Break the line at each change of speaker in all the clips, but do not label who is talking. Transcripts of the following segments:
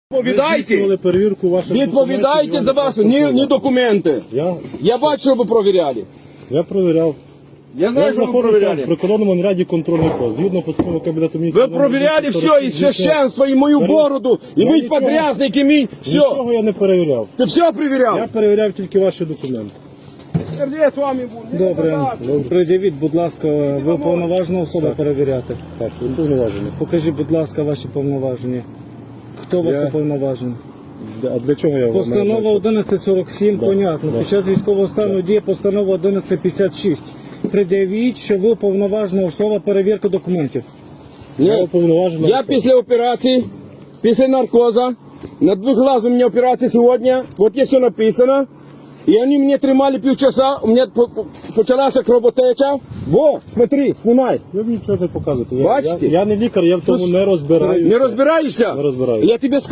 Відповідайте,
перевірку ваших
відповідайте за вас, ні документи. Я бачу, що ви провіряли.
Я провіряв.
Я знаю,
Я
що ви
знаходився в
провіряли.
прикордонному наряді контрольний пост. Згідно постанови Кабінету міністрів.
Ви провіряли все, і священство, і мою бороду, і мій подрязник, і мій все.
Нічого я не перевіряв.
Ти все
Я
перевіряв?
перевіряв тільки ваші документи.
Я з вами буду.
Добре, придивіть, будь ласка, ви повноважна особа перевіряти.
Так, він повноважений.
Покажіть, будь ласка, ваші повноваження. Хто у вас уповноважений?
А для чого я вам
Постанова 1147, понятно. Під час військового стану діє постанова 1156. Придивіть, що ви уповноважена особа перевірки документів.
Я уповноважений.
Я після операції, після наркоза, на двухглаз у меня операция сегодня, вот есть все написано, и они меня тримали полчаса, у меня почалась кровотеча. Во, смотри, снимай.
Ви мені нічого не показуєте.
Бачите?
Я не лікар, я в тому не розбираюся.
Не розбираєшся?
Не розбираюся.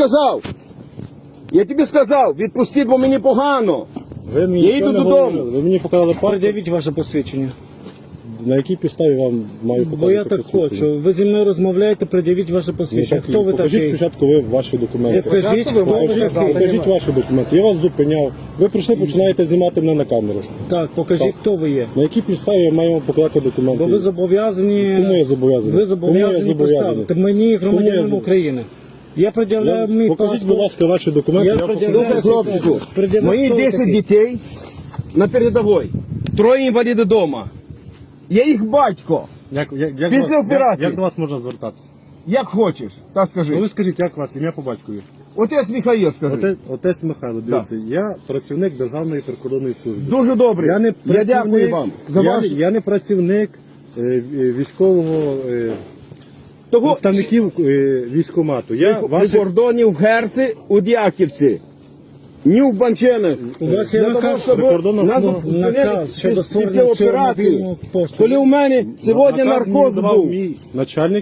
Я тобі сказав, відпустіть, бо мені погано.
Ви мені
Я
нічого
йду
не
додому.
говорили. Ви мені показали паспорт.
Придивіть ваше посвідчення.
На якій підставі вам маю показати?
Бо я так
посвідчення?
хочу. Ви зі мною розмовляєте, придивіть ваше посвідчення. Хто ви
Покажіть
такий?
спочатку ви ваші документи.
Покажіть, хто ви такий.
Покажіть ваші документи. Я вас зупиняв. Ви прийшли, починаєте знімати мене на камеру.
Так, покажіть, хто ви є.
На якій підставі я маю вам показати документи?
Бо ви зобов'язані...
Кому я зобов'язаний?
Ви зобов'язані представити мені, громадянам України. Я пред'являю мій
Покажіть, будь
паспорт.
ласка, ваші документи.
Я
Я
пред'являю-
Слухай, хлопчику,
Придивіть,
мої
хто ви
10
такий.
дітей на передовій, 3 інваліди вдома. Я їх батько. Після операції.
Як до вас можна звертатися?
Як хочеш, так
Ну
скажи.
ви скажіть, як вас ім'я по батькові?
Отець Михаїл, скажи.
Отець Михайло, дивіться, я працівник Державної прикордонної служби.
Дуже добре.
Я не
Я
працівник,
дякую вам за
я,
ваш...
я не працівник військового
Того,
представників військкомату. Я
при
ваші...
кордоні в Герці, у Дяківці, ні в Банченах.
У вас є наказ
прикордонна служба.
наказ щодо
після
створення цього
операції,
мобільного посту.
коли у мене сьогодні
Наказ мені
наркоз
давав
був.
мій начальник.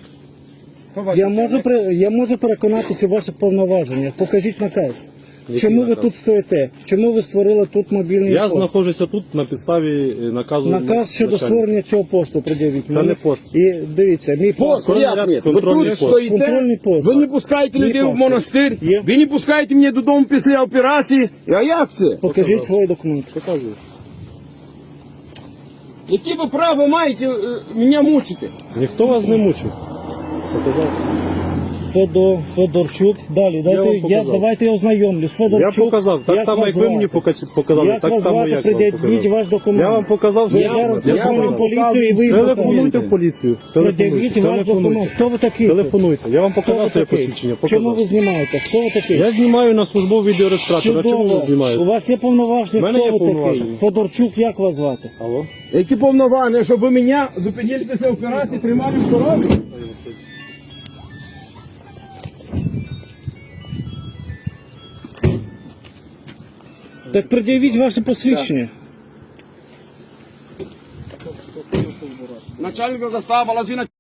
Я можу переконатися у ваших повноваженнях. Покажіть наказ. Чому ви тут стоїте? Чому ви створили тут мобільний
Я
пост?
знаходжуся тут на підставі наказу
Наказ щодо
начальника.
створення цього посту пред'явіть.
Це
мені.
не пост.
І дивіться, мій
Пост,
пост.
як ні? Ви
контрольний
тут
пост.
стоїте,
Контрольний пост.
ви не пускаєте
Мій
людей в
паспорт.
монастир,
Є.
ви не пускаєте мене додому після операції. А як це?
Покажіть свої документи.
Показую.
Які ви право маєте мене мучити?
Ніхто вас не мучив. Показав.
Федорчук. Далі,
вам показав.
давайте я ознайомлюсь. Федорчук.
Я показав, так само
вас
як ви мені
звати?
показали,
Як
так
вас
само
звати?
як вам
Придивіть
показав.
ваш документ.
Я вам показав,
Я зараз
я
позвоню
вам
в поліцію і ви
Телефонуйте в поліцію.
Придивіть ваш документ. Хто ви такий?
Телефонуйте. Я вам
Хто ви
показав своє
такий?
посвідчення.
Чому ви
Показав.
знімаєте? Хто ви такий?
Я знімаю на службовий відеореєстратор. А чому ви
Чудово. У
знімаєте?
вас є повноваження,
В мене
хто
є
ви такий?
повноваження.
Федорчук, як вас звати?
Алло?
Які повноваження, щоб ви мене зупинили після операції, тримали в коробі?
Так пред'явіть ваше посвідчення.
Начальник застави, лазвіна.